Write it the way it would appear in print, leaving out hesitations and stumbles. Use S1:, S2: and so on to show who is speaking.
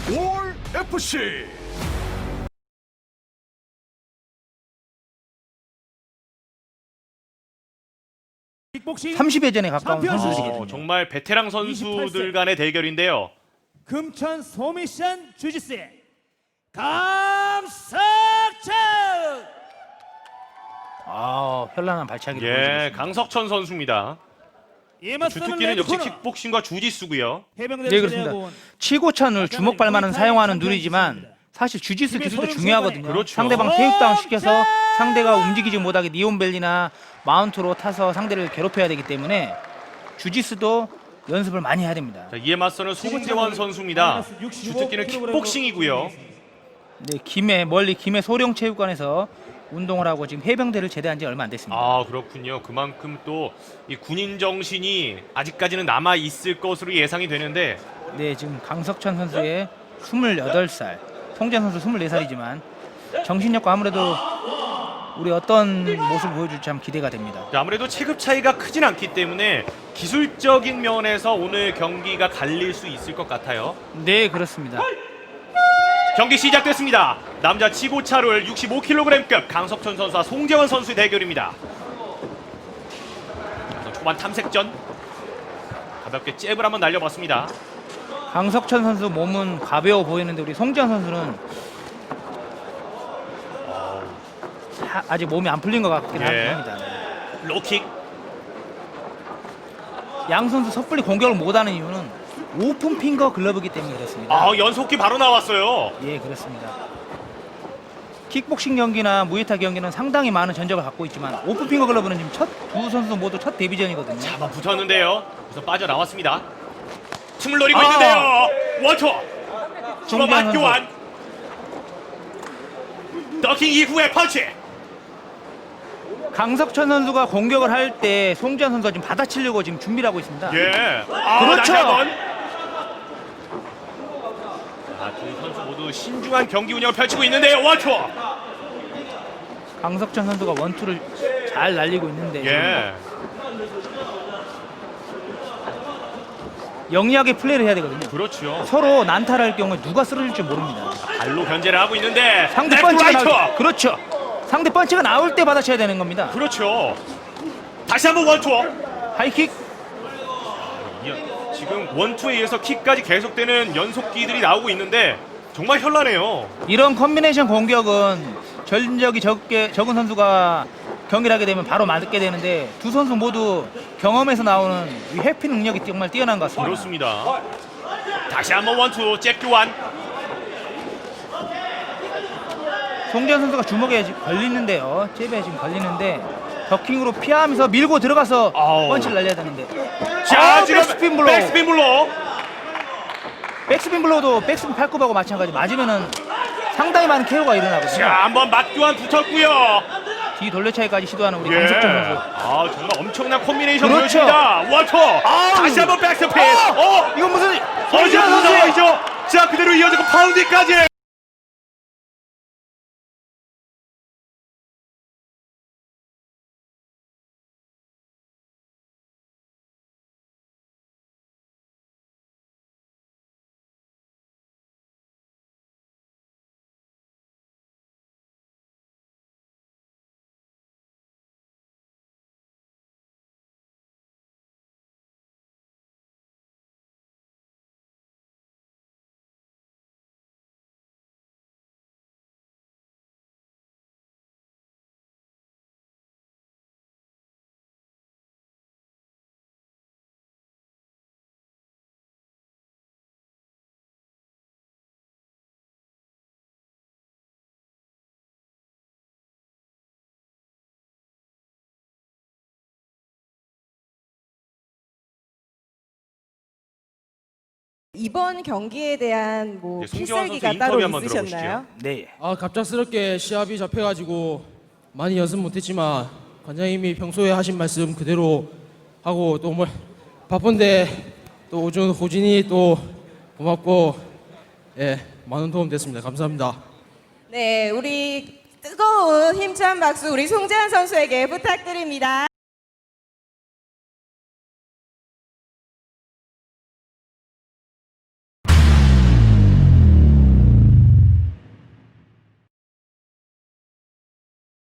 S1: 올 FC.
S2: 킥복싱
S3: 30여 전에 가까운
S2: 챔피언
S3: 선수들이거든요.
S4: 정말 베테랑 선수들 간의 대결인데요.
S2: 금천 소미션 주짓수의 강석천.
S3: 현란한 발차기를
S4: 예,
S3: 보여주고
S4: 강석천 선수입니다.
S2: 이에 맞서는
S4: 주특기는 역시
S2: 레드코너
S4: 킥복싱과 주짓수고요.
S2: 해병대를
S3: 네, 그렇습니다.
S2: 제대하고 온
S3: 치고찬을 주먹발만은 사용하는 누리지만 사실 주짓수 기술도 중요하거든요.
S4: 그렇죠.
S3: 상대방 테이크다운 시켜서 상대가 움직이지 못하게 니온벨리나 마운트로 타서 상대를 괴롭혀야 되기 때문에 주짓수도 연습을 많이 해야 됩니다.
S4: 자, 이에 맞서는 송재환 선수입니다. 주특기는 킥복싱이고요.
S3: 네, 멀리 김해 소령체육관에서 운동을 하고 지금 해병대를 제대한 지 얼마 안 됐습니다.
S4: 아, 그렇군요. 그만큼 또 이 군인 정신이 아직까지는 남아 있을 것으로 예상이 되는데
S3: 네, 지금 강석천 선수의 28살, 송재환 선수 24살이지만 정신력과 아무래도 우리 어떤 모습을 보여줄지 참 기대가 됩니다.
S4: 아무래도 체급 차이가 크진 않기 때문에 기술적인 면에서 오늘 경기가 갈릴 수 있을 것 같아요.
S3: 네, 그렇습니다.
S4: 경기 시작됐습니다. 남자 치고차롤 65kg급 강석천 선수와 송재환 선수의 대결입니다. 초반 탐색전 가볍게 잽을 한번 날려봤습니다.
S3: 강석천 선수 몸은 가벼워 보이는데 우리 송재환 선수는 아직 몸이 안 풀린 것 같긴
S4: 예.
S3: 합니다.
S4: 로킥.
S3: 양 선수 섣불리 공격을 못하는 이유는 오픈 핑거 글러브이기 때문에 그렇습니다.
S4: 아, 연속기 바로 나왔어요.
S3: 예, 그렇습니다. 킥복싱 경기나 무에타이 경기는 상당히 많은 전적을 갖고 있지만 오픈 핑거 글러브는 지금 두 선수 모두 첫 데뷔전이거든요.
S4: 잡아 붙었는데요. 그래서 빠져나왔습니다. 틈을 노리고 있는데요. 원투. 주먹 맞교환. 더킹 이후에 펀치.
S3: 강석천 선수가 공격을 할 때 송재환 선수가 지금 받아치려고 지금 준비를 하고 있습니다.
S4: 예.
S3: 그렇죠.
S4: 다시 한번. 두 선수 모두 신중한 경기 운영을 펼치고 있는데요. 원투.
S3: 강석천 선수가 원투를 잘 날리고 있는데
S4: 예.
S3: 영리하게 플레이를 해야 되거든요.
S4: 그렇죠.
S3: 서로 난타를 할 경우에 누가 쓰러질지 모릅니다.
S4: 발로 견제를 하고 있는데
S3: 상대
S4: 레프트
S3: 펀치가
S4: 라이트.
S3: 나올 그렇죠. 상대 펀치가 나올 때 받아쳐야 되는 겁니다.
S4: 그렇죠. 다시 한번 원투.
S3: 하이킥.
S4: 지금 원투에 의해서 킥까지 계속되는 연속기들이 나오고 있는데 정말 현란해요.
S3: 이런 컨비네이션 공격은 전적이 적은 선수가 경기를 하게 되면 바로 맞게 되는데 두 선수 모두 경험에서 나오는 이 회피 능력이 정말 뛰어난 것 같습니다.
S4: 그렇습니다. 다시 한번 원투 잽 교환.
S3: 송재환 선수가 주먹에 지금 걸리는데요. 잽에 지금 걸리는데 더킹으로 피하면서 밀고 들어가서 펀치를 날려야 되는데
S4: 자, 지금
S3: 백스핀 블로우.
S4: 백스핀 블로우.
S3: 백스핀 블로우도 백스핀 팔굽하고 마찬가지 맞으면은 상당히 많은 KO가 일어나거든요.
S4: 자, 한번 맞교환 붙었고요.
S3: 뒤 돌려차기까지 시도하는 우리
S4: 예.
S3: 강석천 선수.
S4: 아, 정말 엄청난 콤비네이션
S3: 그렇죠.
S4: 보여줍니다. 원투. 다시 한번 백스핀.
S3: 이건 무슨
S4: 이거 무슨 상황이죠? 자, 그대로 이어지고 파운딩까지.
S5: 이번 경기에 대한 뭐
S4: 네, 송재환 선수
S5: 필살기가
S4: 인터뷰
S5: 따로
S4: 한번
S5: 있으셨나요?
S3: 네.
S6: 갑작스럽게 시합이 잡혀가지고 많이 연습 못했지만 관장님이 평소에 하신 말씀 그대로 하고 또 뭐 바쁜데 또 오준 호진이 또 고맙고 많은 도움 됐습니다. 감사합니다.
S5: 네, 우리 뜨거운 힘찬 박수 우리 송재환 선수에게 부탁드립니다.